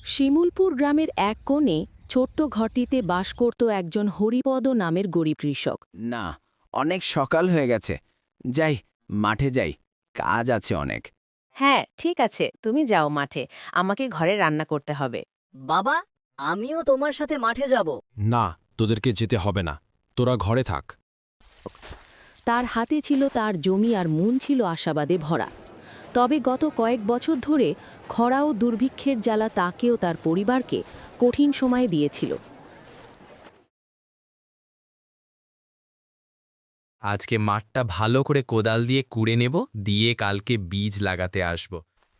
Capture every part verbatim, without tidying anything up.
শিমুলপুর গ্রামের এক কোণে ছোট্ট ঘরটিতে বাস করত একজন হরিপদ নামের গরিব কৃষক। না, অনেক সকাল হয়ে গেছে। যাই, মাঠে যাই, কাজ আছে অনেক। হ্যাঁ, ঠিক আছে, তুমি যাও মাঠে, আমাকে ঘরে রান্না করতে হবে। বাবা, আমিও তোমার সাথে মাঠে যাব। না, তোদেরকে যেতে হবে না, তোরা ঘরে থাক। তার হাতে ছিল তার জমি আর মন ছিল আশাবাদে ভরা। তবে গত কয়েক বছর ধরে খরা ও দুর্ভিক্ষের জ্বালা তাকেও তার পরিবারকে কঠিন সময় দিয়েছিল। আজকে মাঠটা ভালো করে কোদাল দিয়ে কুড়ে নেব, দিয়ে কালকে বীজ লাগাতে আসব।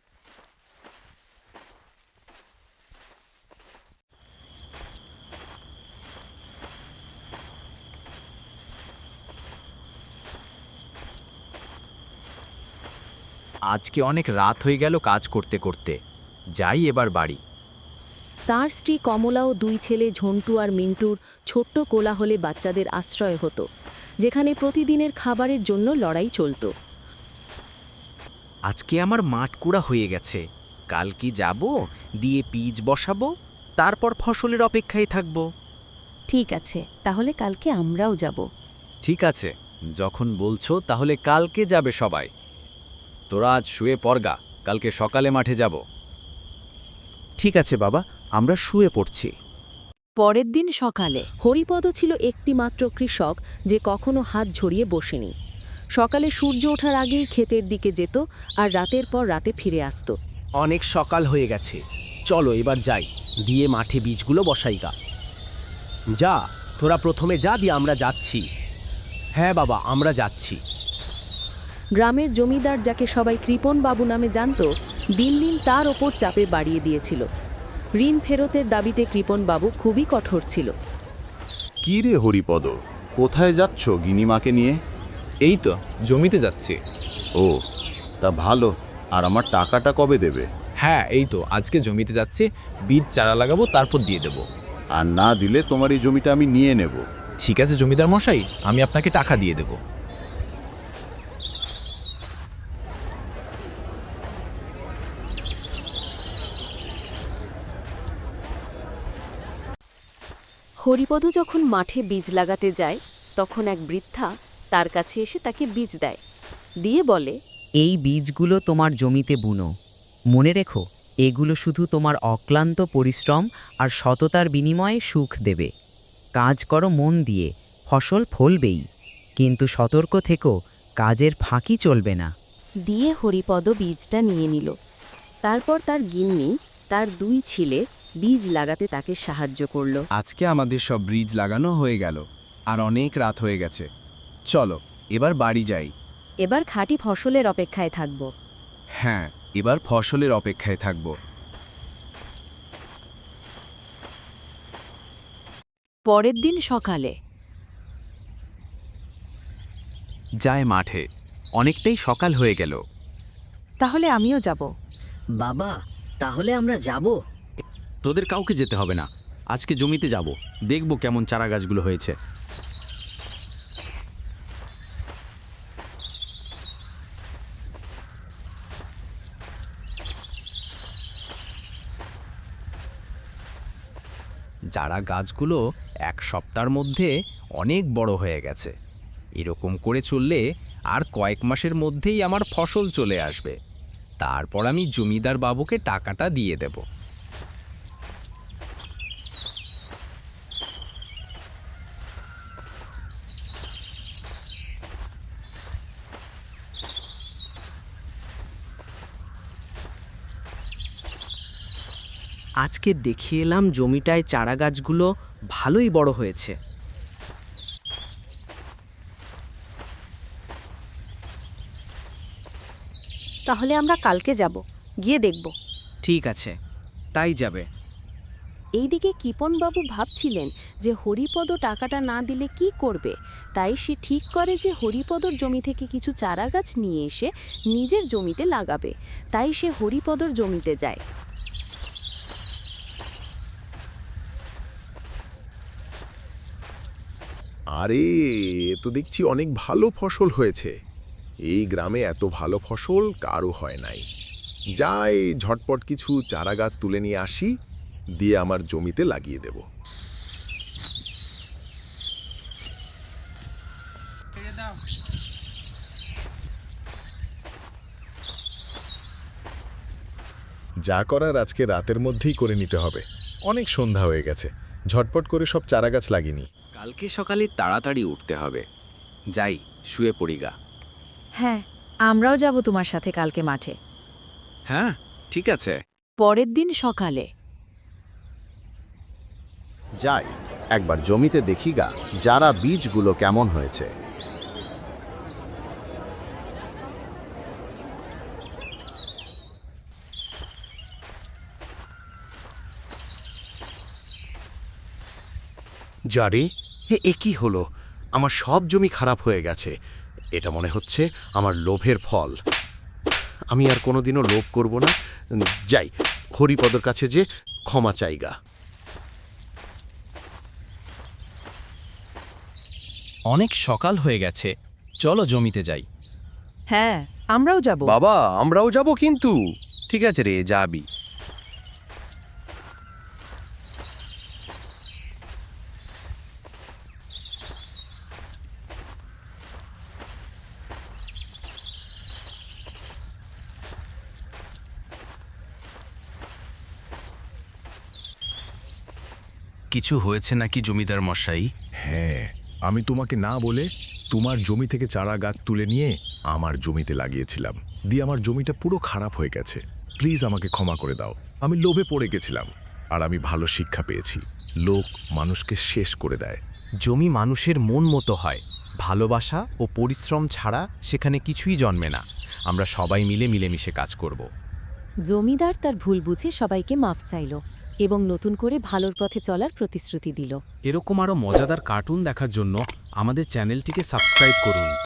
আজকে অনেক রাত হয়ে গেল কাজ করতে করতে, যাই এবার বাড়ি। তার স্ত্রী কমলা ও দুই ছেলে ঝন্টু আর মিন্টুর ছোট্ট কোলাহলে বাচ্চাদের আশ্রয় হতো, যেখানে প্রতিদিনের খাবারের জন্য লড়াই চলত। আজকে আমার মাঠ কুড়া হয়ে গেছে, কাল কি যাব, দিয়ে বীজ বসাবো, তারপর ফসলের অপেক্ষায় থাকব। ঠিক আছে, তাহলে কালকে আমরাও যাব। ঠিক আছে, যখন বলছো তাহলে কালকে যাবে সবাই। তোরা আজ শুয়ে পড়গা, কালকে সকালে মাঠে যাব। ঠিক আছে বাবা, আমরা শুয়ে পড়ছি। পরের দিন সকালে হরিপদ ছিল একটিমাত্র কৃষক যে কখনো হাত ঝরিয়ে বসেনি। সকালে সূর্য ওঠার আগেই ক্ষেতের দিকে যেত আর রাতের পর রাতে ফিরে আসত। অনেক সকাল হয়ে গেছে, চলো এবার যাই, দিয়ে মাঠে বীজগুলো বসাই গা। যা, তোরা প্রথমে যা, দিয়ে আমরা যাচ্ছি। হ্যাঁ বাবা, আমরা যাচ্ছি। গ্রামের জমিদার, যাকে সবাই কৃপণ বাবু নামে জানত, দিন দিন তার ওপর চাপে বাড়িয়ে দিয়েছিল। ঋণ ফেরতের দাবিতে কৃপণ বাবু খুবই কঠোর ছিল। কি রে হরিপদ, কোথায় যাচ্ছ গিনিমাকে নিয়ে? এই তো জমিতে যাচ্ছি। ও, তা ভালো। আর আমার টাকাটা কবে দেবে? হ্যাঁ, এই তো আজকে জমিতে যাচ্ছি, বীজ চারা লাগাবো, তারপর দিয়ে দেব। আর না দিলে তোমার এই জমিটা আমি নিয়ে নেব। ঠিক আছে জমিদার মশাই, আমি আপনাকে টাকা দিয়ে দেব। হরিপদ যখন মাঠে বীজ লাগাতে যায়, তখন এক বৃদ্ধা তার কাছে এসে তাকে বীজ দেয়, দিয়ে বলে, এই বীজগুলো তোমার জমিতে বুনো। মনে রেখো, এগুলো শুধু তোমার অক্লান্ত পরিশ্রম আর সততার বিনিময়ে সুখ দেবে। কাজ করো মন দিয়ে, ফসল ফলবেই, কিন্তু সতর্ক থেকো, কাজের ফাঁকি চলবে না। দিয়ে হরিপদ বীজটা নিয়ে নিল। তারপর তার গিন্নি তার দুই ছেলে বীজ লাগাতে তাকে সাহায্য করল। আজকে আমাদের সব বীজ লাগানো হয়ে গেল, আর অনেক রাত হয়ে গেছে। চলো এবার বাড়ি যাই। এবার খাঁটি ফসলের অপেক্ষায় থাকব। হ্যাঁ, এবার ফসলের অপেক্ষায় থাকব। পরের দিন সকালে যায় মাঠে, অনেকটাই সকাল হয়ে গেল। তাহলে আমিও যাব। বাবা, তাহলে আমরা যাব। তোদের কাউকে যেতে হবে না, আজকে জমিতে যাব, দেখব কেমন চারা গাছগুলো হয়েছে। চারা গাছগুলো এক সপ্তাহের মধ্যে অনেক বড় হয়ে গেছে। এরকম করে চললে আর কয়েক মাসের মধ্যেই আমার ফসল চলে আসবে। তারপর আমি জমিদার বাবুকে টাকাটা দিয়ে দেব। আজকে দেখে এলাম জমিটায় চারা গাছগুলো ভালোই বড় হয়েছে। তাহলে আমরা কালকে যাব, গিয়ে দেখব। ঠিক আছে, তাই যাবে। এইদিকে কিপনবাবু ভাবছিলেন যে হরিপদ টাকাটা না দিলে কি করবে। তাই সে ঠিক করে যে হরিপদর জমি থেকে কিছু চারা গাছ নিয়ে এসে নিজের জমিতে লাগাবে। তাই সে হরিপদর জমিতে যায়। আরে, এ তো দেখছি অনেক ভালো ফসল হয়েছে। এই গ্রামে এত ভালো ফসল কারও হয় নাই। যাই ঝটপট কিছু চারা গাছ তুলে নিয়ে আসি, দিয়ে আমার জমিতে লাগিয়ে দেব। যা করার আজকে রাতের মধ্যেই করে নিতে হবে। অনেক সন্ধ্যা হয়ে গেছে, ঝটপট করে সব চারাগাছ লাগিনি। কালকে সকালে তাড়াতাড়ি উঠতে হবে। যাই, শুয়ে পড়ি গা। হ্যাঁ, আমরাও যাব তোমার সাথে কালকে মাঠে। হ্যাঁ, ঠিক আছে। পরের দিন সকালে যাই একবার জমিতে দেখি গা যারা বীজগুলো কেমন হয়েছে। যারে এ কি হলো? আমার সব জমি খারাপ হয়ে গেছে। এটা মনে হচ্ছে আমার লোভের ফল। আমি আর কোনোদিনও লোভ করব না। যাই, হরিপদর কাছে যে ক্ষমা চাইগা। অনেক সকাল হয়ে গেছে, চলো জমিতে যাই। হ্যাঁ, আমরাও যাব। বাবা, আমরাও যাব কিন্তু। ঠিক আছে রে, যাবি। কিছু হয়েছে নাকি জমিদার মশাই? হ্যাঁ, আমি তোমাকে না বলে তোমার জমি থেকে চারা গাছ তুলে নিয়ে আমার জমিতে লাগিয়েছিলাম, দিয়ে আমার জমিটা পুরো খারাপ হয়ে গেছে। প্লিজ আমাকে ক্ষমা করে দাও। আমি লোভে পড়ে গেছিলাম, আর আমি ভালো শিক্ষা পেয়েছি। লোক মানুষকে শেষ করে দেয়। জমি মানুষের মন মতো হয়, ভালোবাসা ও পরিশ্রম ছাড়া সেখানে কিছুই জন্মে না। আমরা সবাই মিলে মিলেমিশে কাজ করব। জমিদার তার ভুল বুঝে সবাইকে মাফ চাইল এবং নতুন করে ভালোর পথে চলার প্রতিশ্রুতি দিল। এরকম আরও মজাদার কার্টুন দেখার জন্য আমাদের চ্যানেলটিকে সাবস্ক্রাইব করুন।